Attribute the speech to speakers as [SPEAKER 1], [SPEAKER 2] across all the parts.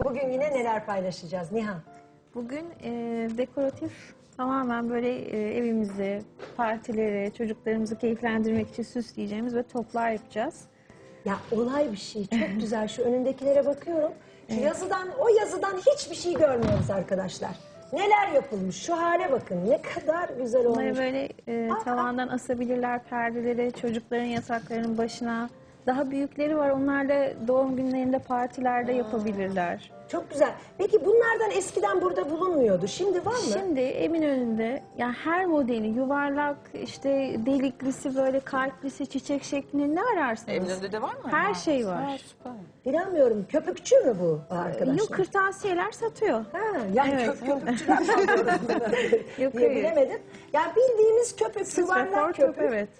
[SPEAKER 1] bugün yine neler paylaşacağız Nihan?
[SPEAKER 2] Bugün dekoratif tamamen böyle evimizi, partileri, çocuklarımızı keyiflendirmek için süsleyeceğimiz ve toplar yapacağız.
[SPEAKER 1] Ya olay bir şey. Çok güzel. Şu önündekilere bakıyorum. Şu yazıdan, o yazıdan hiçbir şey görmüyoruz arkadaşlar. Neler yapılmış. Şu hale bakın. Ne kadar güzel olmuş.
[SPEAKER 2] Bunları böyle tavandan asabilirler perdeleri, çocukların yataklarının başına. Daha büyükleri var. Onlar da doğum günlerinde, partilerde yapabilirler.
[SPEAKER 1] Çok güzel. Peki bunlardan eskiden burada bulunmuyordu. Şimdi var mı?
[SPEAKER 2] Şimdi Eminönü'nde yani her modeli yuvarlak, işte deliklisi, böyle kalplisi, çiçek şeklinde ne ararsanız.
[SPEAKER 3] Eminönü'nde de var mı?
[SPEAKER 2] Her şey var.
[SPEAKER 3] Ha, süper.
[SPEAKER 1] Bilmiyorum. Köpükçü mü bu arkadaşlar?
[SPEAKER 2] Yok, kırtasiyeler satıyor.
[SPEAKER 1] Ha, yani
[SPEAKER 2] Evet.
[SPEAKER 1] köpükçüler sanıyoruz
[SPEAKER 2] Yok,
[SPEAKER 1] diye
[SPEAKER 2] hayır.
[SPEAKER 1] bilemedim. Yani bildiğimiz köpük,
[SPEAKER 2] Strafor
[SPEAKER 1] yuvarlak
[SPEAKER 2] top,
[SPEAKER 1] köpük.
[SPEAKER 2] evet.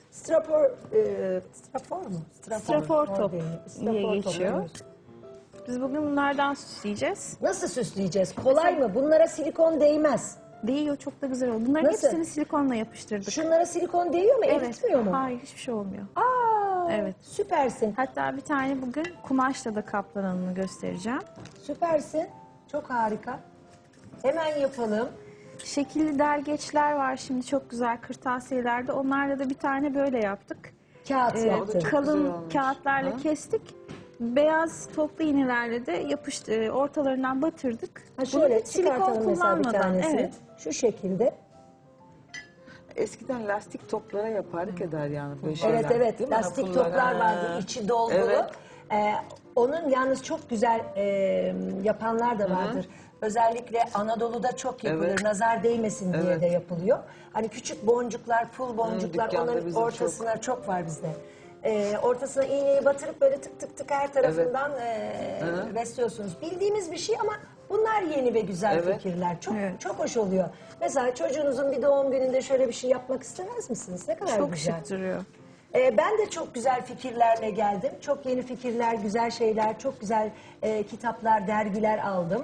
[SPEAKER 1] Strafor mu?
[SPEAKER 2] Strafor top
[SPEAKER 1] değil.
[SPEAKER 2] diye
[SPEAKER 1] Strafor top,
[SPEAKER 2] geçiyor.
[SPEAKER 1] evet.
[SPEAKER 2] Biz bugün bunlardan süsleyeceğiz.
[SPEAKER 1] Nasıl süsleyeceğiz? Kolay mı? Bunlara silikon değmez.
[SPEAKER 2] Değiyor, çok da güzel oldu. Bunların
[SPEAKER 1] Nasıl?
[SPEAKER 2] hepsini silikonla yapıştırdık.
[SPEAKER 1] Şunlara silikon değiyor mu? Eritmiyor mu?
[SPEAKER 2] Hayır, hiçbir şey olmuyor.
[SPEAKER 1] Aa,
[SPEAKER 2] Evet.
[SPEAKER 1] Süpersin.
[SPEAKER 2] Hatta bir tane bugün kumaşla da kaplananını göstereceğim.
[SPEAKER 1] Süpersin. Çok harika. Hemen yapalım.
[SPEAKER 2] Şekilli dergeçler var şimdi, çok güzel kırtasiyelerde. Onlarla da bir tane böyle yaptık.
[SPEAKER 1] Kağıt
[SPEAKER 2] Ee,
[SPEAKER 1] yaptık.
[SPEAKER 3] güzel
[SPEAKER 2] kalın
[SPEAKER 3] olmuş.
[SPEAKER 2] kağıtlarla kestik. Beyaz toplu iğnelerle de yapıştı, ortalarından batırdık.
[SPEAKER 1] Ha şöyle
[SPEAKER 2] Bunu silikon
[SPEAKER 1] çıkartalım mesela bir
[SPEAKER 2] kullanmadan,
[SPEAKER 1] tanesini.
[SPEAKER 2] evet.
[SPEAKER 1] Şu şekilde.
[SPEAKER 3] Eskiden lastik toplara yapardık eder yani böyle
[SPEAKER 1] Evet
[SPEAKER 3] şeyler.
[SPEAKER 1] evet.
[SPEAKER 3] Değil mi?
[SPEAKER 1] Lastik
[SPEAKER 3] Pullar,
[SPEAKER 1] toplar
[SPEAKER 3] ha.
[SPEAKER 1] vardı. İçi dolgulu.
[SPEAKER 3] Evet.
[SPEAKER 1] Onun yalnız çok güzel yapanlar da vardır. Özellikle Anadolu'da çok yapılır.
[SPEAKER 3] Evet.
[SPEAKER 1] Nazar değmesin diye
[SPEAKER 3] Evet.
[SPEAKER 1] de yapılıyor. Hani küçük boncuklar, pul boncuklar,
[SPEAKER 3] dükkanda
[SPEAKER 1] onların
[SPEAKER 3] bizim
[SPEAKER 1] ortasına çok var bizde. Ortasına iğneyi batırıp böyle tık tık tık her tarafından besliyorsunuz. Bildiğimiz bir şey ama bunlar yeni ve güzel
[SPEAKER 3] Evet.
[SPEAKER 1] fikirler. Çok
[SPEAKER 2] Evet.
[SPEAKER 1] çok hoş oluyor. Mesela çocuğunuzun bir doğum gününde şöyle bir şey yapmak istemez misiniz? Ne kadar
[SPEAKER 2] Çok
[SPEAKER 1] güzel.
[SPEAKER 2] şık duruyor.
[SPEAKER 1] Ben de çok güzel fikirlerle geldim. Çok yeni fikirler, güzel şeyler, çok güzel kitaplar, dergiler aldım.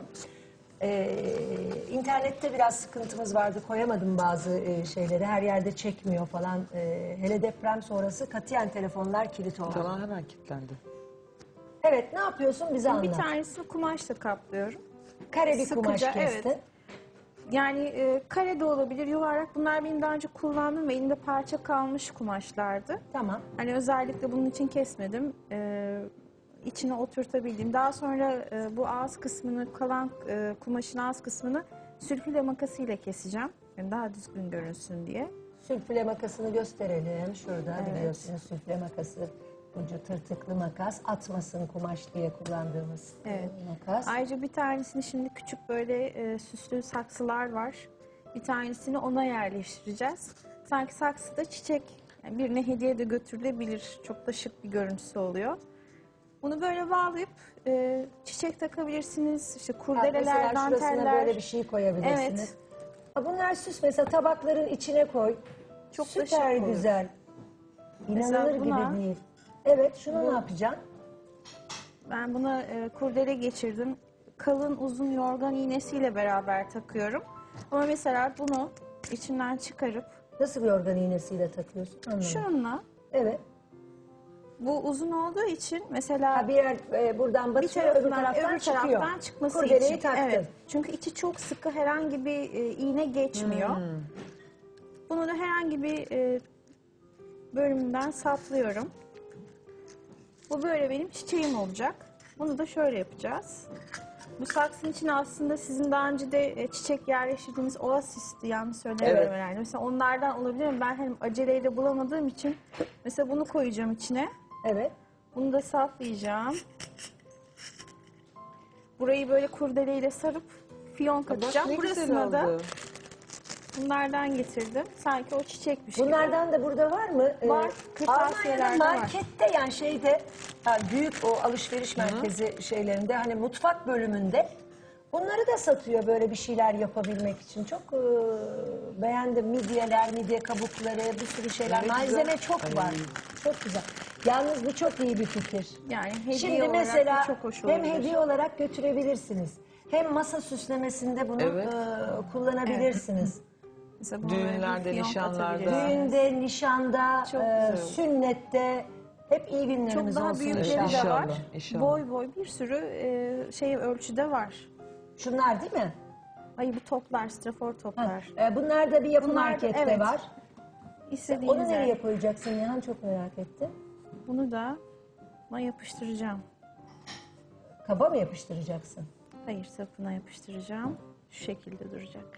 [SPEAKER 1] İnternette biraz sıkıntımız vardı. Koyamadım bazı şeyleri. Her yerde çekmiyor falan. Hele deprem sonrası katiyen telefonlar kilit oldu.
[SPEAKER 3] Falan hemen kilitlendi.
[SPEAKER 1] Evet, ne yapıyorsun? Bize
[SPEAKER 2] Bir
[SPEAKER 1] anlat.
[SPEAKER 2] tanesini kumaşla kaplıyorum.
[SPEAKER 1] Kare bir kumaş
[SPEAKER 2] Sıkıca,
[SPEAKER 1] kestin.
[SPEAKER 2] evet. Yani kare de olabilir, yuvarlak. Bunlar benim daha önce kullandığım ve elimde parça kalmış kumaşlardı.
[SPEAKER 1] Tamam.
[SPEAKER 2] Hani özellikle bunun için kesmedim. İçine oturtabildim. Daha sonra bu ağız kısmını, kalan kumaşın ağız kısmını sülfile makasıyla keseceğim. Yani daha düzgün görünsün diye.
[SPEAKER 1] Sülfüle makasını gösterelim. Şurada
[SPEAKER 2] Evet.
[SPEAKER 1] biliyorsunuz sülfüle makası. Ucu tırtıklı makas. Atmasın kumaş diye kullandığımız
[SPEAKER 2] Evet.
[SPEAKER 1] makas.
[SPEAKER 2] Ayrıca bir tanesini şimdi küçük böyle süslü saksılar var. Bir tanesini ona yerleştireceğiz. Sanki saksıda çiçek, yani birine hediye de götürülebilir. Çok da şık bir görüntüsü oluyor. Bunu böyle bağlayıp çiçek takabilirsiniz. İşte kurdeleler,
[SPEAKER 1] Mesela şurasına
[SPEAKER 2] danteller.
[SPEAKER 1] böyle bir şey koyabilirsiniz.
[SPEAKER 2] Evet.
[SPEAKER 1] Ha, bunlar süs, mesela tabakların içine koy.
[SPEAKER 2] Çok da
[SPEAKER 1] Süper
[SPEAKER 2] şık olur.
[SPEAKER 1] güzel.
[SPEAKER 2] Mesela
[SPEAKER 1] İnanılır
[SPEAKER 2] buna-
[SPEAKER 1] gibi değil. Evet, şunu ne yapacaksın?
[SPEAKER 2] Ben buna kurdele geçirdim. Kalın uzun yorgan iğnesiyle beraber takıyorum. Ama mesela bunu içinden çıkarıp
[SPEAKER 1] Nasıl bir organ iğnesiyle takıyorsun? Anlamadım.
[SPEAKER 2] şununla,
[SPEAKER 1] Evet.
[SPEAKER 2] bu uzun olduğu için mesela
[SPEAKER 1] Ha, bir yer buradan
[SPEAKER 2] bir
[SPEAKER 1] batıyor, öbür taraftan çıkıyor.
[SPEAKER 2] çıkması
[SPEAKER 1] Kurdeleyi
[SPEAKER 2] için.
[SPEAKER 1] taktın.
[SPEAKER 2] Evet. Çünkü içi çok sıkı, herhangi bir iğne geçmiyor. Bunu da herhangi bir bölümünden saplıyorum. Bu böyle benim çiçeğim olacak. Bunu da şöyle yapacağız. Bu saksının içine aslında sizin daha önce de çiçek yerleştirdiğiniz oasisti, yanlış söylemiyorum
[SPEAKER 1] Evet.
[SPEAKER 2] herhalde. Mesela onlardan olabilir mi? Ben hem aceleyle bulamadığım için mesela bunu koyacağım içine.
[SPEAKER 1] Evet.
[SPEAKER 2] Bunu da saplayacağım. Burayı böyle kurdeleyle sarıp fiyonk
[SPEAKER 3] Bak
[SPEAKER 2] atacağım.
[SPEAKER 3] ne güzel
[SPEAKER 2] Burasına da
[SPEAKER 3] oldu.
[SPEAKER 2] bunlardan getirdim. Sanki o çiçekmiş gibi.
[SPEAKER 1] Bunlardan da burada var mı?
[SPEAKER 2] Var, kırtasiyelerde
[SPEAKER 1] Almanya'da
[SPEAKER 2] var.
[SPEAKER 1] markette, yani şeyde, ha, büyük o alışveriş merkezi şeylerinde, hani mutfak bölümünde bunları da satıyor, böyle bir şeyler yapabilmek için. Çok beğendim. Midyeler, midye kabukları, bir sürü şeyler.
[SPEAKER 3] Ne
[SPEAKER 1] Malzeme
[SPEAKER 3] güzel.
[SPEAKER 1] çok var. Çok güzel. Yalnız bu çok iyi bir fikir.
[SPEAKER 2] Yani hediye
[SPEAKER 1] Şimdi
[SPEAKER 2] olarak
[SPEAKER 1] mesela
[SPEAKER 2] da çok hoş
[SPEAKER 1] hem
[SPEAKER 2] olabilir.
[SPEAKER 1] hediye olarak götürebilirsiniz. Hem masa süslemesinde bunu
[SPEAKER 3] Evet.
[SPEAKER 1] kullanabilirsiniz.
[SPEAKER 2] Mesela bunu böyle bir
[SPEAKER 3] Düğünlerde,
[SPEAKER 2] fiyonk
[SPEAKER 3] nişanlarda.
[SPEAKER 2] atabilirsiniz.
[SPEAKER 1] Düğünde, nişanda,
[SPEAKER 2] Çok güzel olur.
[SPEAKER 1] sünnette Hep iyi
[SPEAKER 2] Çok
[SPEAKER 1] günlerimiz
[SPEAKER 2] daha
[SPEAKER 1] olsun
[SPEAKER 2] büyükleri
[SPEAKER 1] inşallah.
[SPEAKER 2] de
[SPEAKER 3] İnşallah,
[SPEAKER 2] var.
[SPEAKER 3] inşallah.
[SPEAKER 2] Boy boy bir sürü şey ölçüde var.
[SPEAKER 1] Şunlar değil mi?
[SPEAKER 2] Ay bu toplar, strafor toplar.
[SPEAKER 1] Bunlar da bir yapı
[SPEAKER 2] Bunlar da-
[SPEAKER 1] markette
[SPEAKER 2] evet.
[SPEAKER 1] var.
[SPEAKER 2] İstediğiniz
[SPEAKER 1] Onu nereye
[SPEAKER 2] yer.
[SPEAKER 1] koyacaksın Nihan, çok merak ettim.
[SPEAKER 2] Bunu da buna yapıştıracağım.
[SPEAKER 1] Kaba mı yapıştıracaksın?
[SPEAKER 2] Hayır, sapına yapıştıracağım. Şu şekilde duracak.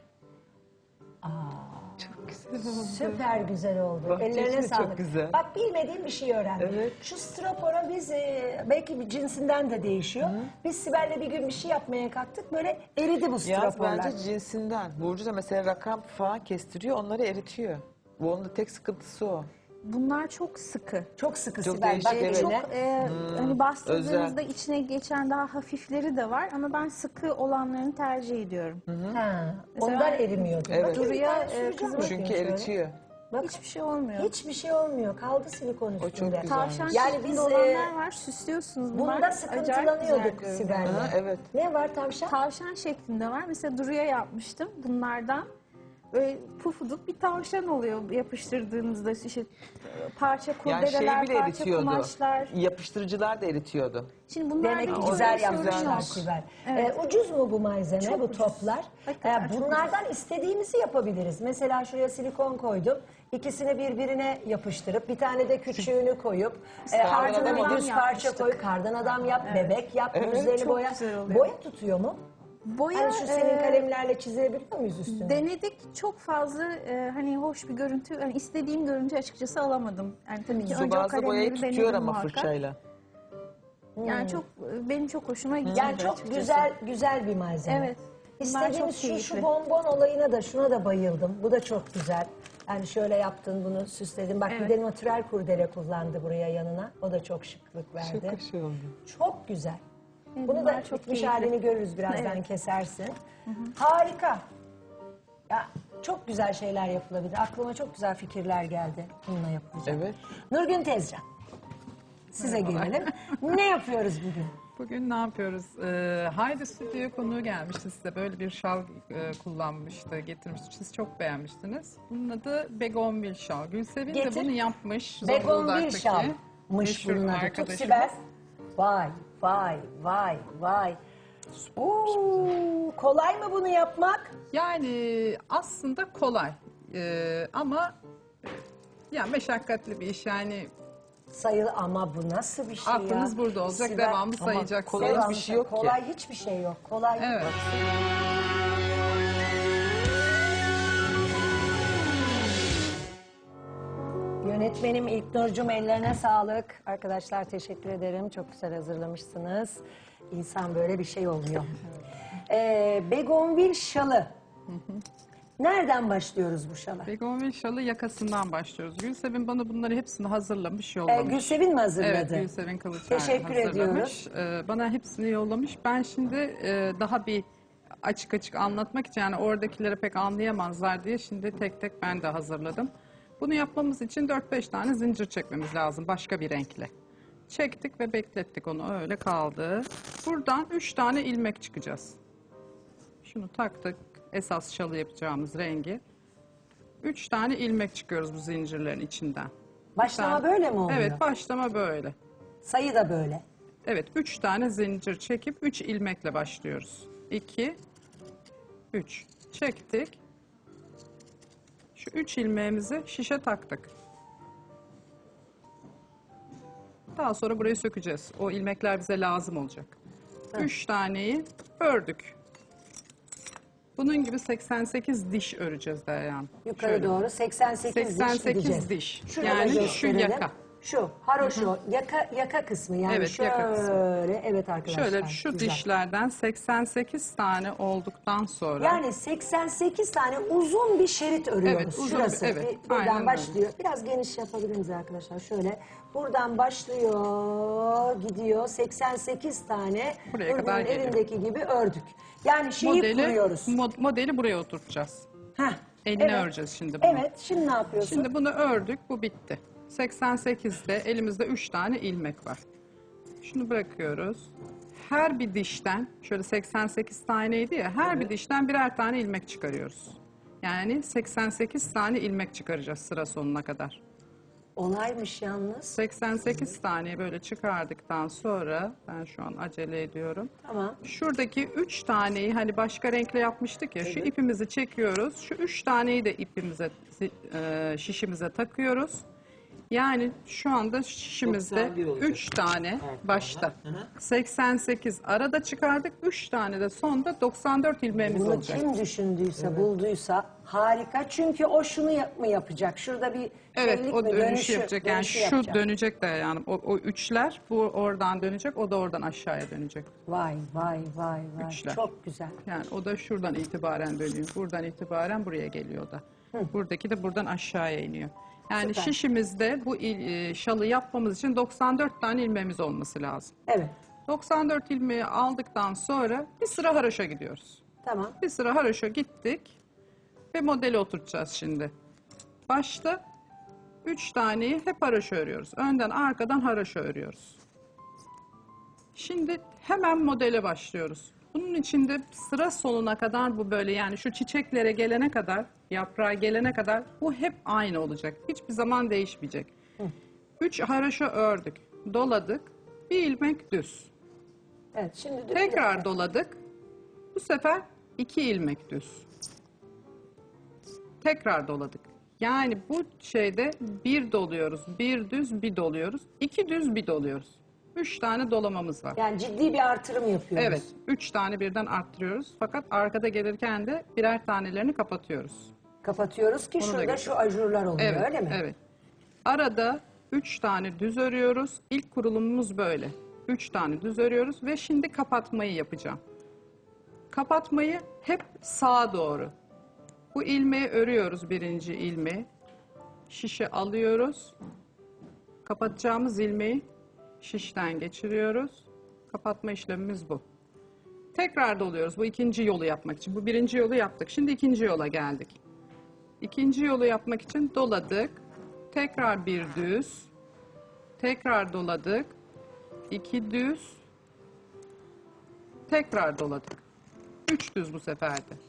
[SPEAKER 3] Çok güzel oldu.
[SPEAKER 1] Süper güzel oldu.
[SPEAKER 3] Bahçe
[SPEAKER 1] Ellerine
[SPEAKER 3] içi de çok
[SPEAKER 1] sağlık.
[SPEAKER 3] güzel.
[SPEAKER 1] Bak bilmediğim bir şey öğrendim.
[SPEAKER 3] Evet.
[SPEAKER 1] Şu stropora biz belki bir cinsinden de değişiyor. Biz Sibel'le bir gün bir şey yapmaya kalktık. Böyle eridi bu
[SPEAKER 3] Yaz
[SPEAKER 1] stroporlar.
[SPEAKER 3] bence cinsinden. Burcu da mesela rakam falan kestiriyor, onları eritiyor. Bu onun da tek sıkıntısı o.
[SPEAKER 2] Bunlar çok sıkı.
[SPEAKER 1] Çok sıkı
[SPEAKER 3] Çok
[SPEAKER 1] Sibel. Bak
[SPEAKER 3] değişik, evet.
[SPEAKER 1] eline.
[SPEAKER 2] Çok hani bastırdığınızda
[SPEAKER 3] özel.
[SPEAKER 2] içine geçen daha hafifleri de var ama ben sıkı olanlarını tercih ediyorum.
[SPEAKER 1] Ha,
[SPEAKER 2] Mesela
[SPEAKER 1] ondan erimiyor.
[SPEAKER 3] Evet.
[SPEAKER 1] Bakayım bir
[SPEAKER 2] Duruya,
[SPEAKER 1] tane süreceğim
[SPEAKER 2] kızım-
[SPEAKER 1] bakayım
[SPEAKER 3] Çünkü
[SPEAKER 1] şöyle.
[SPEAKER 3] eritiyor.
[SPEAKER 1] Bak,
[SPEAKER 2] Hiçbir şey olmuyor.
[SPEAKER 1] hiçbir şey olmuyor. Kaldı silikon üstünde.
[SPEAKER 3] çok güzel.
[SPEAKER 2] Tavşan
[SPEAKER 1] Yani
[SPEAKER 2] şeklinde
[SPEAKER 1] biz,
[SPEAKER 2] olanlar var, süslüyorsunuz. Bunlar
[SPEAKER 1] Bunda
[SPEAKER 2] acayip
[SPEAKER 1] sıkıntılanıyorduk
[SPEAKER 2] güzel
[SPEAKER 1] Sibel'le.
[SPEAKER 3] Ha, evet.
[SPEAKER 1] Ne var tavşan?
[SPEAKER 2] Tavşan şeklinde var. Mesela Duru'ya yapmıştım bunlardan. Böyle pufuduk bir tavşan oluyor yapıştırdığınızda işte parça
[SPEAKER 3] Yani şey
[SPEAKER 2] kurdeleler,
[SPEAKER 3] bile
[SPEAKER 2] parça
[SPEAKER 3] eritiyordu. Yapıştırıcılar da eritiyordu.
[SPEAKER 2] Şimdi bunlar
[SPEAKER 1] Demek ki
[SPEAKER 2] bir
[SPEAKER 1] güzel
[SPEAKER 2] öyle sorun
[SPEAKER 1] yapmışlar
[SPEAKER 2] yok.
[SPEAKER 1] Sibel.
[SPEAKER 2] Evet.
[SPEAKER 1] Ucuz mu bu malzeme,
[SPEAKER 2] Çok
[SPEAKER 1] bu
[SPEAKER 2] ucuz.
[SPEAKER 1] toplar?
[SPEAKER 2] Hakikaten çok
[SPEAKER 1] Bunlardan istediğimizi yapabiliriz. Mesela şuraya silikon koydum. İkisini birbirine yapıştırıp bir tane de küçüğünü koyup
[SPEAKER 3] kardan
[SPEAKER 1] ardına
[SPEAKER 3] adam
[SPEAKER 1] bir düz parça
[SPEAKER 2] yapmıştık.
[SPEAKER 1] koy, kardan adam yap, bebek yap, yüzlerini
[SPEAKER 2] çok
[SPEAKER 1] boya.
[SPEAKER 2] güzel oluyor.
[SPEAKER 1] Boya tutuyor mu?
[SPEAKER 2] Boya
[SPEAKER 1] Yani şu senin
[SPEAKER 2] e,
[SPEAKER 1] kalemlerle çizebiliyor muyuz üstüne?
[SPEAKER 2] denedik, çok fazla hani hoş bir görüntü, yani istediğim görüntü açıkçası alamadım. Yani tabii ki önce o
[SPEAKER 3] Zubazda boyayı
[SPEAKER 2] kalemleri
[SPEAKER 3] tutuyor
[SPEAKER 2] denedim
[SPEAKER 3] ama
[SPEAKER 2] muhakkak.
[SPEAKER 3] fırçayla.
[SPEAKER 2] Yani çok benim çok hoşuma gitti.
[SPEAKER 1] Yani çok
[SPEAKER 2] açıkçası.
[SPEAKER 1] güzel bir malzeme.
[SPEAKER 2] Evet. Bunlar
[SPEAKER 1] İstediğimiz
[SPEAKER 2] çok
[SPEAKER 1] şu
[SPEAKER 2] keyifli.
[SPEAKER 1] bonbon olayına da şuna da bayıldım. Bu da çok güzel. Yani şöyle yaptın bunu süsledin. Bak bir
[SPEAKER 2] Evet.
[SPEAKER 1] de natürel kurdele kullandı buraya yanına. O da çok şıklık verdi.
[SPEAKER 3] Çok hoş oldu.
[SPEAKER 1] Çok güzel.
[SPEAKER 2] Evet,
[SPEAKER 1] Bunu da
[SPEAKER 2] bunlar çok
[SPEAKER 1] bitmiş
[SPEAKER 2] keyifli.
[SPEAKER 1] halini görürüz birazdan
[SPEAKER 2] Evet.
[SPEAKER 1] kesersin. Harika. Ya çok güzel şeyler yapılabilir. Aklıma çok güzel fikirler geldi bununla yapılacak.
[SPEAKER 3] Evet.
[SPEAKER 1] Nurgün Tezcan. Size gelelim. Ne yapıyoruz bugün?
[SPEAKER 4] Bugün ne yapıyoruz? Haydi Stüdyo'ya konuğu gelmişti size. Böyle bir şal kullanmıştı, getirmişti. Siz çok beğenmiştiniz. Bunun adı Begonvil şal. Gülsevin de
[SPEAKER 1] Getir.
[SPEAKER 4] bunu yapmış.
[SPEAKER 1] Begonvil
[SPEAKER 4] Zonguldak'taki
[SPEAKER 1] şalmış
[SPEAKER 4] meşhur
[SPEAKER 1] bunun adı. Tut
[SPEAKER 4] arkadaşımız.
[SPEAKER 1] Sibel. Vay vay vay vay. Kolay mı bunu yapmak?
[SPEAKER 4] Yani aslında kolay. Ama yani meşakkatli bir iş. Yani
[SPEAKER 1] Sayılı ama bu nasıl bir şey ya?
[SPEAKER 4] aklınız burada olacak.
[SPEAKER 1] Sibel,
[SPEAKER 4] Devamlı
[SPEAKER 3] Ama
[SPEAKER 4] sayacaksınız.
[SPEAKER 3] kolay
[SPEAKER 1] devamlı
[SPEAKER 3] hiçbir şey yok ki.
[SPEAKER 1] Kolay hiçbir şey yok. Kolay.
[SPEAKER 4] Evet.
[SPEAKER 1] Yönetmenim İlknur'cum ellerine sağlık. Arkadaşlar teşekkür ederim. Çok güzel hazırlamışsınız. İnsan böyle bir şey oluyor. Begonvil şalı. Nereden başlıyoruz bu şala?
[SPEAKER 4] Begonvil şalı yakasından başlıyoruz. Gülsevin bana bunları hepsini hazırlamış, yollamış.
[SPEAKER 1] Gülsevin mi hazırladı?
[SPEAKER 4] Evet, Gülsevin Kılıçay
[SPEAKER 1] Teşekkür
[SPEAKER 4] hazırlamış. Bana hepsini yollamış. Ben şimdi daha bir açık anlatmak için, yani oradakileri pek anlayamazlar diye şimdi tek tek ben de hazırladım. Bunu yapmamız için 4-5 tane zincir çekmemiz lazım başka bir renkle. Çektik ve beklettik, onu öyle kaldı. Buradan 3 tane ilmek çıkacağız. Şunu taktık, esas şalı yapacağımız rengi. 3 tane ilmek çıkıyoruz bu zincirlerin içinden.
[SPEAKER 1] Başlama
[SPEAKER 4] Ben-
[SPEAKER 1] böyle mi oluyor?
[SPEAKER 4] Evet, başlama böyle.
[SPEAKER 1] Sayı da böyle.
[SPEAKER 4] Evet, 3 tane zincir çekip 3 ilmekle başlıyoruz. 2, 3. Çektik. Şu 3 ilmeğimizi şişe taktık. Daha sonra burayı sökeceğiz. O ilmekler bize lazım olacak. 3 taneyi ördük. Bunun gibi 88 diş öreceğiz Deryan.
[SPEAKER 1] Yukarı
[SPEAKER 4] Şöyle.
[SPEAKER 1] doğru 88
[SPEAKER 4] 88
[SPEAKER 1] gideceğiz.
[SPEAKER 4] diş.
[SPEAKER 1] Şurada
[SPEAKER 4] Yani şu
[SPEAKER 1] gösterelim.
[SPEAKER 4] yaka.
[SPEAKER 1] Şu haroşo yaka kısmı yani
[SPEAKER 4] Evet,
[SPEAKER 1] şöyle.
[SPEAKER 4] yaka kısmı.
[SPEAKER 1] Evet arkadaşlar.
[SPEAKER 4] Şöyle şu
[SPEAKER 1] güzel.
[SPEAKER 4] dişlerden 88 tane olduktan sonra
[SPEAKER 1] Yani 88 tane uzun bir şerit örüyoruz.
[SPEAKER 4] Evet, uzun
[SPEAKER 1] Şurası.
[SPEAKER 4] bir- evet,
[SPEAKER 1] Buradan
[SPEAKER 4] aynen öyle.
[SPEAKER 1] başlıyor. Biraz geniş yapabilir miyiz arkadaşlar? Şöyle. Buradan başlıyor, gidiyor. 88 tane
[SPEAKER 4] Buraya kadar
[SPEAKER 1] Nurgül'ün
[SPEAKER 4] geliyor.
[SPEAKER 1] elindeki gibi ördük. Yani şeyi kuruyoruz.
[SPEAKER 4] modeli buraya oturtacağız.
[SPEAKER 1] Heh,
[SPEAKER 4] Eline
[SPEAKER 1] evet.
[SPEAKER 4] öreceğiz şimdi bunu.
[SPEAKER 1] Evet, şimdi ne yapıyorsun?
[SPEAKER 4] Şimdi bunu ördük, bu bitti. 88'de elimizde 3 tane ilmek var. Şunu bırakıyoruz. Her bir dişten, şöyle 88 taneydi ya, her bir dişten birer tane ilmek çıkarıyoruz. Yani 88 tane ilmek çıkaracağız sıra sonuna kadar.
[SPEAKER 1] Olaymış yalnız.
[SPEAKER 4] 88 tane böyle çıkardıktan sonra ben şu an acele ediyorum.
[SPEAKER 1] Tamam.
[SPEAKER 4] Şuradaki 3 taneyi hani başka renkle yapmıştık ya şu ipimizi çekiyoruz. Şu 3 taneyi de ipimize şişimize takıyoruz. Yani şu anda şişimizde
[SPEAKER 3] 91 olacak.
[SPEAKER 4] 3 tane başta. 88 arada çıkardık. 3 tane de sonda 94 ilmeğimiz
[SPEAKER 1] Bunu
[SPEAKER 4] olacak.
[SPEAKER 1] kim düşündüyse, bulduysa harika. Çünkü o şunu mı yapacak? Şurada bir
[SPEAKER 4] Evet,
[SPEAKER 1] şeylik
[SPEAKER 4] o
[SPEAKER 1] mi?
[SPEAKER 4] dönüşü yapacak. Yani
[SPEAKER 1] dönüşü
[SPEAKER 4] şu
[SPEAKER 1] yapacak.
[SPEAKER 4] dönecek de yani o üçler bu oradan dönecek, o da oradan aşağıya dönecek.
[SPEAKER 1] Vay vay vay vay.
[SPEAKER 4] Üçler.
[SPEAKER 1] Çok güzel.
[SPEAKER 4] Yani o da şuradan itibaren dönüyor. Buradan itibaren buraya geliyor da. Buradaki de buradan aşağıya iniyor. Yani
[SPEAKER 1] Süper.
[SPEAKER 4] şişimizde bu şalı yapmamız için 94 tane ilmeğimiz olması lazım.
[SPEAKER 1] Evet.
[SPEAKER 4] 94 ilmeği aldıktan sonra bir sıra haroşa gidiyoruz.
[SPEAKER 1] Tamam.
[SPEAKER 4] Bir sıra haroşa gittik ve modeli oturtacağız şimdi. Başta 3 taneyi hep haroşa örüyoruz. Önden arkadan haroşa örüyoruz. Şimdi hemen modele başlıyoruz. Bunun içinde sıra sonuna kadar bu böyle yani şu çiçeklere gelene kadar, yaprağa gelene kadar bu hep aynı olacak. Hiçbir zaman değişmeyecek. 3 haroşa ördük, doladık, bir ilmek düz.
[SPEAKER 1] Evet. Şimdi
[SPEAKER 4] Tekrar doladık. Bu sefer 2 ilmek düz. Tekrar doladık. Yani bu şeyde bir doluyoruz, bir düz, bir doluyoruz. 2 düz, bir doluyoruz. 3 tane dolamamız var.
[SPEAKER 1] Yani ciddi bir artırım yapıyoruz.
[SPEAKER 4] Evet, 3 tane birden arttırıyoruz. Fakat arkada gelirken de birer tanelerini kapatıyoruz.
[SPEAKER 1] Kapatıyoruz ki
[SPEAKER 4] Onu da
[SPEAKER 1] şurada
[SPEAKER 4] göster.
[SPEAKER 1] şu ajurlar oluyor
[SPEAKER 4] Evet,
[SPEAKER 1] öyle mi?
[SPEAKER 4] evet. Arada 3 tane düz örüyoruz. İlk kurulumumuz böyle. 3 tane düz örüyoruz ve şimdi kapatmayı yapacağım. Kapatmayı hep sağa doğru. Bu ilmeği örüyoruz, birinci ilmeği. Şişe alıyoruz. Kapatacağımız ilmeği şişten geçiriyoruz. Kapatma işlemimiz bu. Tekrar doluyoruz bu ikinci yolu yapmak için. Bu birinci yolu yaptık. Şimdi ikinci yola geldik. İkinci yolu yapmak için doladık. Tekrar bir düz. Tekrar doladık. 2 düz. Tekrar doladık. 3 düz bu sefer de.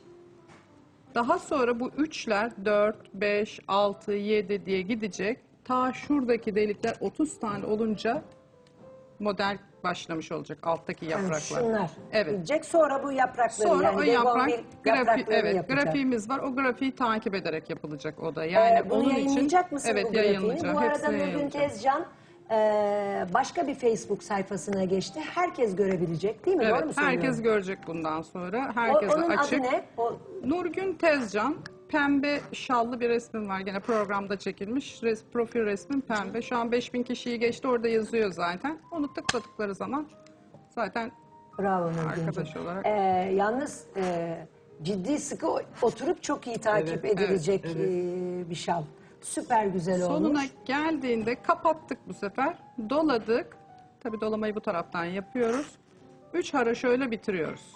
[SPEAKER 4] Daha sonra bu üçler 4, 5, 6, 7 diye gidecek. Ta şuradaki delikler 30 tane olunca model başlamış olacak alttaki
[SPEAKER 1] Yani
[SPEAKER 4] yapraklar.
[SPEAKER 1] şunlar
[SPEAKER 4] Evet.
[SPEAKER 1] gidecek. Sonra bu yaprakları
[SPEAKER 4] Sonra
[SPEAKER 1] yani
[SPEAKER 4] o yaprak
[SPEAKER 1] yapraklarını
[SPEAKER 4] evet,
[SPEAKER 1] yapacak.
[SPEAKER 4] grafiğimiz var. O grafiği takip ederek yapılacak o da. Yani
[SPEAKER 1] Bunu
[SPEAKER 4] onun
[SPEAKER 1] yayınlayacak
[SPEAKER 4] için
[SPEAKER 1] mısın
[SPEAKER 4] evet
[SPEAKER 1] bu grafiğini?
[SPEAKER 4] yayınlayacağım.
[SPEAKER 1] Bu arada
[SPEAKER 4] Hepsini
[SPEAKER 1] Nurgün
[SPEAKER 4] yayınlayacağım.
[SPEAKER 1] Tezcan başka bir Facebook sayfasına geçti. Herkes görebilecek değil mi? Doğru mu
[SPEAKER 4] Evet,
[SPEAKER 1] söylüyorum?
[SPEAKER 4] herkes görecek bundan sonra. Herkese
[SPEAKER 1] Onun
[SPEAKER 4] açık.
[SPEAKER 1] adı ne?
[SPEAKER 4] Nurgün Tezcan, pembe şallı bir resmim var. Gene programda çekilmiş. Profil resmim pembe. Şu an 5000 kişiyi geçti. Orada yazıyor zaten. Onu tıkladıkları zaman zaten
[SPEAKER 1] Bravo Nurgüncüğüm.
[SPEAKER 4] arkadaş olarak.
[SPEAKER 1] Yalnız ciddi sıkı oturup çok iyi takip
[SPEAKER 3] Evet,
[SPEAKER 1] edilecek
[SPEAKER 3] evet, evet.
[SPEAKER 1] bir şal. Süper güzel olmuş.
[SPEAKER 4] Sonuna geldiğinde kapattık bu sefer. Doladık. Tabii dolamayı bu taraftan yapıyoruz. 3 haroşa bitiriyoruz.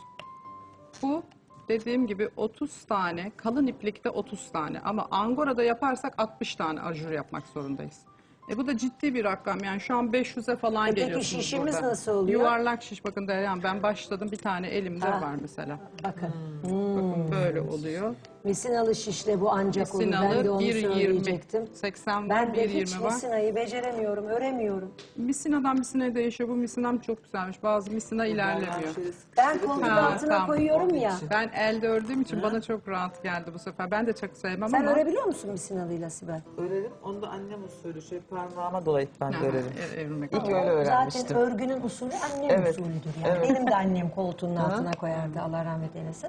[SPEAKER 4] Bu dediğim gibi 30 tane, kalın iplikte 30 tane ama angora'da yaparsak 60 tane ajur yapmak zorundayız. Bu da ciddi bir rakam yani şu an 500'e falan
[SPEAKER 1] Peki
[SPEAKER 4] geliyorsunuz
[SPEAKER 1] şişimiz
[SPEAKER 4] burada.
[SPEAKER 1] nasıl oluyor?
[SPEAKER 4] Yuvarlak şiş bakın Deryan ben başladım bir tane elimde
[SPEAKER 1] Ha.
[SPEAKER 4] var mesela.
[SPEAKER 1] Bakın.
[SPEAKER 4] Bakın böyle oluyor.
[SPEAKER 1] Misinalı şişle bu ancak olur. Ben de
[SPEAKER 4] Misinalı
[SPEAKER 1] onu
[SPEAKER 4] 1.20,
[SPEAKER 1] söyleyecektim.
[SPEAKER 4] 80 var,
[SPEAKER 1] Ben de hiç
[SPEAKER 4] 1.20 var.
[SPEAKER 1] misinayı beceremiyorum, öremiyorum.
[SPEAKER 4] Misinadan misinaya değişiyor. Bu misinam çok güzelmiş. Bazı misina ilerlemiyor.
[SPEAKER 1] Ben koltuğun
[SPEAKER 4] Ha,
[SPEAKER 1] altına
[SPEAKER 4] tamam.
[SPEAKER 1] koyuyorum ya.
[SPEAKER 4] Ben elde ördüğüm için bana çok rahat geldi bu sefer. Ben de çok sevmem
[SPEAKER 1] Sen
[SPEAKER 4] ama.
[SPEAKER 1] örebiliyor musun misinalıyla Sibel?
[SPEAKER 3] Örerim. Onu da annem usulü şöyle parmağıma dolayıp ben de
[SPEAKER 4] Ha,
[SPEAKER 3] örerim.
[SPEAKER 4] Evrilmek.
[SPEAKER 3] İlk öyle
[SPEAKER 1] Zaten
[SPEAKER 3] öğrenmiştim.
[SPEAKER 1] örgünün usulü annem
[SPEAKER 3] Evet,
[SPEAKER 1] usulüdür. Yani.
[SPEAKER 3] evet.
[SPEAKER 1] Benim de annem koltuğunun altına koyardı. Allah rahmet eylesin.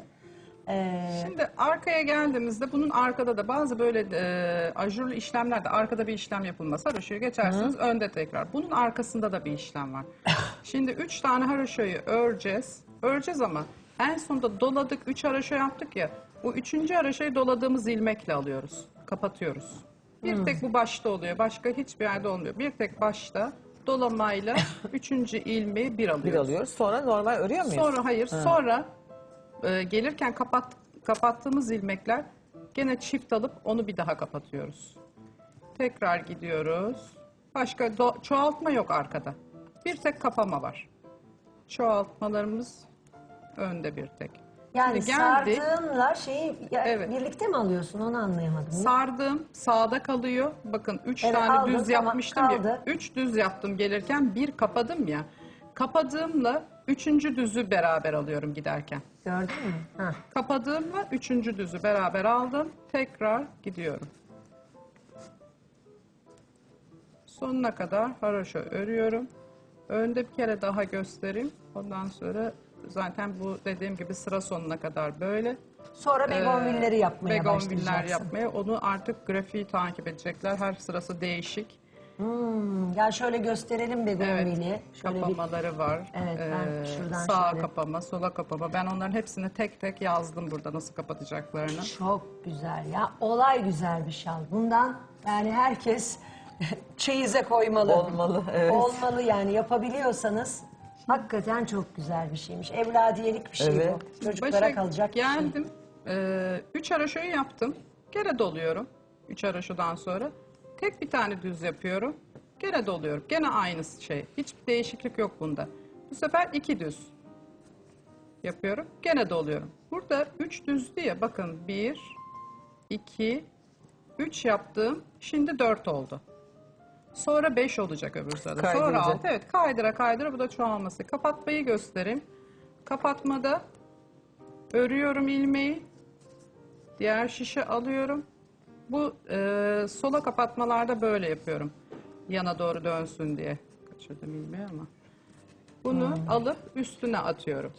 [SPEAKER 4] Şimdi arkaya geldiğimizde bunun arkada da bazı böyle ajurlu işlemlerde arkada bir işlem yapılmaz. Haroşayı geçersiniz önde tekrar. Bunun arkasında da bir işlem var. Şimdi 3 tane haroşayı öreceğiz. Öreceğiz ama en sonunda doladık 3 haroşa yaptık ya. Bu 3. haroşayı doladığımız ilmekle alıyoruz. Kapatıyoruz. Bir tek bu başta oluyor. Başka hiçbir yerde olmuyor. Bir tek başta dolamayla 3. ilmeği bir alıyoruz.
[SPEAKER 3] Bir alıyoruz. Sonra normal örüyor muyuz?
[SPEAKER 4] Sonra hayır. Sonra gelirken kapattığımız ilmekler gene çift alıp onu bir daha kapatıyoruz. Tekrar gidiyoruz. Başka çoğaltma yok arkada. Bir tek kapama var. Çoğaltmalarımız önde bir tek.
[SPEAKER 1] Yani
[SPEAKER 4] Şimdi geldik.
[SPEAKER 1] sardığınla şeyi
[SPEAKER 4] Evet.
[SPEAKER 1] birlikte mi alıyorsun onu anlayamadım.
[SPEAKER 4] Sardım, sağda kalıyor. Bakın 3
[SPEAKER 1] Evet,
[SPEAKER 4] tane
[SPEAKER 1] aldın,
[SPEAKER 4] düz
[SPEAKER 1] tamam,
[SPEAKER 4] yapmıştım
[SPEAKER 1] kaldı.
[SPEAKER 4] ya. 3 düz yaptım gelirken, bir kapadım ya. Kapadığımla 3. düzü beraber alıyorum giderken.
[SPEAKER 1] Gördün mü? Ha.
[SPEAKER 4] Kapadığımla 3. düzü beraber aldım. Tekrar gidiyorum. Sonuna kadar haroşa örüyorum. Önde bir kere daha göstereyim. Ondan sonra zaten bu dediğim gibi sıra sonuna kadar böyle.
[SPEAKER 1] Sonra begonvilleri yapmaya
[SPEAKER 4] Begonviller
[SPEAKER 1] başlayacaksın.
[SPEAKER 4] yapmaya. Onu artık grafiği takip edecekler. Her sırası değişik.
[SPEAKER 1] Ya şöyle gösterelim begonvili. Şöyle bir
[SPEAKER 4] Kapamaları var.
[SPEAKER 1] Evet, ben şuradan
[SPEAKER 4] Sağa
[SPEAKER 1] şöyle-
[SPEAKER 4] kapama, sola kapama. Ben onların hepsini tek tek yazdım burada nasıl kapatacaklarını.
[SPEAKER 1] çok güzel ya. Olay güzel bir şal. Bundan yani herkes çeyize koymalı.
[SPEAKER 3] Olmalı, evet.
[SPEAKER 1] Olmalı yani yapabiliyorsanız hakikaten çok güzel bir şeymiş. Evladiyelik bir şey
[SPEAKER 3] Evet.
[SPEAKER 1] bu. Çocuklara
[SPEAKER 4] Başa
[SPEAKER 1] kalacak bir şey.
[SPEAKER 4] geldim. 3 haroşayı yaptım. Gene doluyorum. 3 haroşadan sonra. Tek bir tane düz yapıyorum. Gene doluyorum. Gene aynı şey. Hiçbir değişiklik yok bunda. Bu sefer 2 düz yapıyorum. Gene doluyorum. Burada 3 düzdü ya. Bakın 1, 2, 3 yaptım. Şimdi 4 oldu. Sonra 5 olacak öbür sırada. Sonra
[SPEAKER 3] Kaydıracak.
[SPEAKER 4] 6. Evet, kaydıra kaydıra bu da çoğalması. Kapatmayı göstereyim. Kapatmada örüyorum ilmeği. Diğer şişe alıyorum. Bu sola kapatmalarda böyle yapıyorum. Yana doğru dönsün diye. Kaçırdım ilmeği ama. Bunu alıp üstüne atıyorum.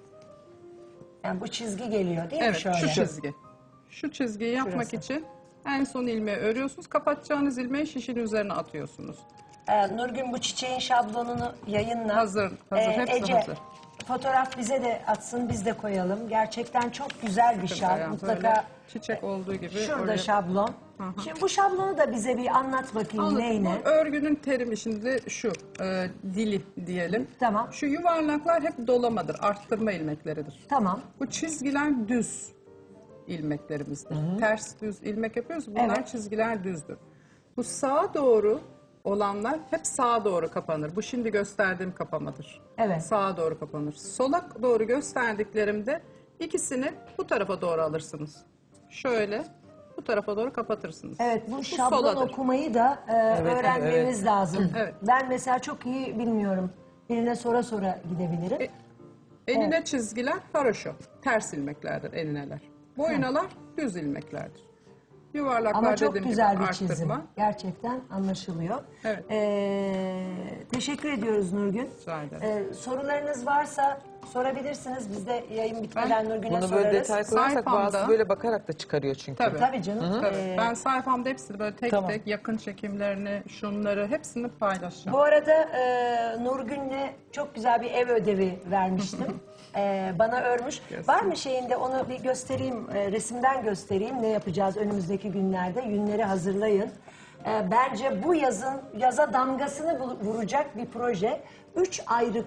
[SPEAKER 1] Yani bu çizgi geliyor değil mi
[SPEAKER 4] Evet,
[SPEAKER 1] şöyle?
[SPEAKER 4] şu çizgi. Şu çizgiyi yapmak
[SPEAKER 1] Şurası.
[SPEAKER 4] için en son ilmeği örüyorsunuz. Kapatacağınız ilmeği şişin üzerine atıyorsunuz.
[SPEAKER 1] Nurgün bu çiçeğin şablonunu yayınla.
[SPEAKER 4] Hazır, hepsi
[SPEAKER 1] Ece,
[SPEAKER 4] hazır.
[SPEAKER 1] fotoğraf bize de atsın, biz de koyalım. Gerçekten çok güzel bir şal.
[SPEAKER 4] Yani
[SPEAKER 1] Mutlaka
[SPEAKER 4] böyle çiçek olduğu gibi.
[SPEAKER 1] şurada
[SPEAKER 4] oraya-
[SPEAKER 1] şablon. Şimdi bu şablonu da bize bir anlat bakayım
[SPEAKER 4] Anladım.
[SPEAKER 1] neyine.
[SPEAKER 4] Bu örgünün terimi şimdi şu, dili diyelim.
[SPEAKER 1] Tamam.
[SPEAKER 4] Şu yuvarlaklar hep dolamadır, arttırma ilmekleridir.
[SPEAKER 1] Tamam.
[SPEAKER 4] Bu çizgiler düz ilmeklerimizdir. Ters düz ilmek yapıyoruz, bunlar
[SPEAKER 1] Evet.
[SPEAKER 4] çizgiler düzdür. Bu sağa doğru olanlar hep sağa doğru kapanır. Bu şimdi gösterdiğim kapamadır.
[SPEAKER 1] Evet.
[SPEAKER 4] Sağa doğru kapanır. Sola doğru gösterdiklerimde ikisini bu tarafa doğru alırsınız. Şöyle bu tarafa doğru kapatırsınız.
[SPEAKER 1] Evet bu şablon
[SPEAKER 4] soladır.
[SPEAKER 1] okumayı da öğrenmemiz lazım.
[SPEAKER 4] Evet.
[SPEAKER 1] Ben mesela çok iyi bilmiyorum. Birine sonra sonra gidebilirim.
[SPEAKER 4] Enine çizgiler haroşo. Ters ilmeklerdir enineler. Boyunalar düz ilmeklerdir. Yuvarlaklar
[SPEAKER 1] Ama çok
[SPEAKER 4] dediğim
[SPEAKER 1] güzel
[SPEAKER 4] gibi
[SPEAKER 1] bir çizim.
[SPEAKER 4] arttırma.
[SPEAKER 1] Gerçekten anlaşılıyor.
[SPEAKER 4] Evet.
[SPEAKER 1] Teşekkür ediyoruz Nurgün.
[SPEAKER 4] Rica ederim.
[SPEAKER 1] Sorularınız varsa sorabilirsiniz. Biz de yayın bitmeden Nurgün'e
[SPEAKER 3] Bunu
[SPEAKER 1] sorarız.
[SPEAKER 3] böyle detay koyarsak
[SPEAKER 4] Sayfamda-
[SPEAKER 3] bazısı böyle bakarak da çıkarıyor çünkü.
[SPEAKER 4] Tabii.
[SPEAKER 1] Tabii canım.
[SPEAKER 4] Tabii. Ben sayfamda hepsini böyle tek
[SPEAKER 3] Tamam.
[SPEAKER 4] tek yakın çekimlerini, şunları hepsini paylaşacağım.
[SPEAKER 1] Bu arada Nurgün'le çok güzel bir ev ödevi vermiştim. Bana örmüş. Var mı şeyinde onu bir göstereyim, resimden göstereyim. Ne yapacağız önümüzdeki günlerde? Yünleri hazırlayın. Bence bu yaza damgasını vuracak bir proje. 3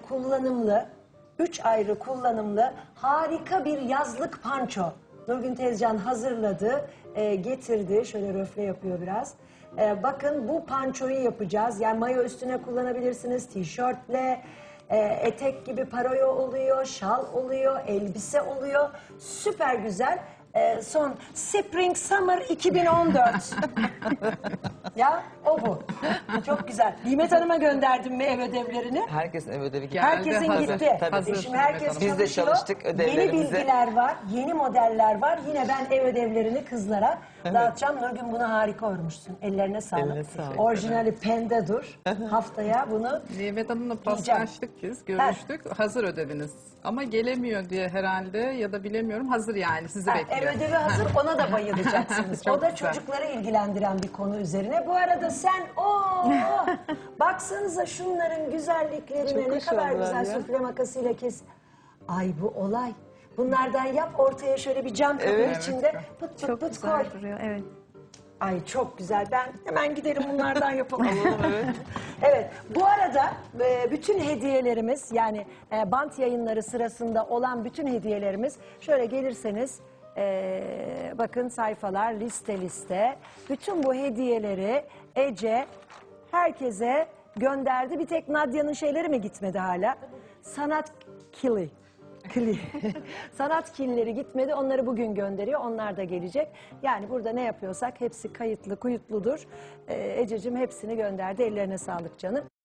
[SPEAKER 1] ayrı kullanımlı harika bir yazlık panço. Nurgün Tezcan hazırladı, getirdi. Şöyle röfle yapıyor biraz. Bakın bu pançoyu yapacağız. Yani mayo üstüne kullanabilirsiniz, tişörtle, etek gibi paroyo oluyor, şal oluyor, elbise oluyor. Süper güzel. Son Spring Summer 2014. Ya o bu. Çok güzel. Nimet Hanım'a gönderdim mi ev ödevlerini?
[SPEAKER 3] Herkes ev ödevi gibi.
[SPEAKER 4] Geldi,
[SPEAKER 1] Herkesin
[SPEAKER 4] hazır.
[SPEAKER 1] gitti.
[SPEAKER 3] Tabii.
[SPEAKER 4] Hazır.
[SPEAKER 1] Şimdi herkes
[SPEAKER 4] Nimet Hanım.
[SPEAKER 3] Biz de
[SPEAKER 1] çalışıyor.
[SPEAKER 3] çalıştık
[SPEAKER 1] Yeni
[SPEAKER 3] ödevlerimizi.
[SPEAKER 1] bilgiler var, yeni modeller var. Yine ben ev ödevlerini kızlara dağıtacağım. Nurgün bunu harika örmüşsün. Ellerine sağlık.
[SPEAKER 3] Eline sağlık.
[SPEAKER 1] Orijinali pende dur. Haftaya bunu
[SPEAKER 4] Nimet Hanım'la
[SPEAKER 1] Diyeceğim.
[SPEAKER 4] paslaştık biz, görüştük. Hazır ödeviniz. Ama gelemiyor diye herhalde ya da bilemiyorum. Hazır yani, sizi
[SPEAKER 1] ev
[SPEAKER 4] bekliyor.
[SPEAKER 1] ödevi hazır, ona da bayılacaksınız.
[SPEAKER 4] Çok
[SPEAKER 1] O da
[SPEAKER 4] güzel.
[SPEAKER 1] çocukları ilgilendiren bir konu üzerine. Bu arada sen baksanıza şunların güzelliklerine,
[SPEAKER 3] Çok
[SPEAKER 1] ne
[SPEAKER 3] hoş
[SPEAKER 1] kadar
[SPEAKER 3] oldular
[SPEAKER 1] güzel
[SPEAKER 3] ya.
[SPEAKER 1] süfle makasıyla kes. Ay bu olay. Bunlardan yap, ortaya şöyle bir cam kabın
[SPEAKER 3] Evet.
[SPEAKER 1] içinde pıt pıt
[SPEAKER 2] Çok
[SPEAKER 1] pıt koy.
[SPEAKER 2] güzel duruyor. Evet.
[SPEAKER 1] Ay çok güzel. Ben hemen giderim bunlardan yapalım. Evet. Bu arada bütün hediyelerimiz yani bant yayınları sırasında olan bütün hediyelerimiz şöyle gelirseniz bakın sayfalar liste. Bütün bu hediyeleri Ece herkese gönderdi. Bir tek Nadia'nın şeyleri mi gitmedi hala? Sanat kili. Sanat kinleri gitmedi. Onları bugün gönderiyor. Onlar da gelecek. Yani burada ne yapıyorsak hepsi kayıtlı, kuyutludur. Ececiğim hepsini gönderdi. Ellerine sağlık canım.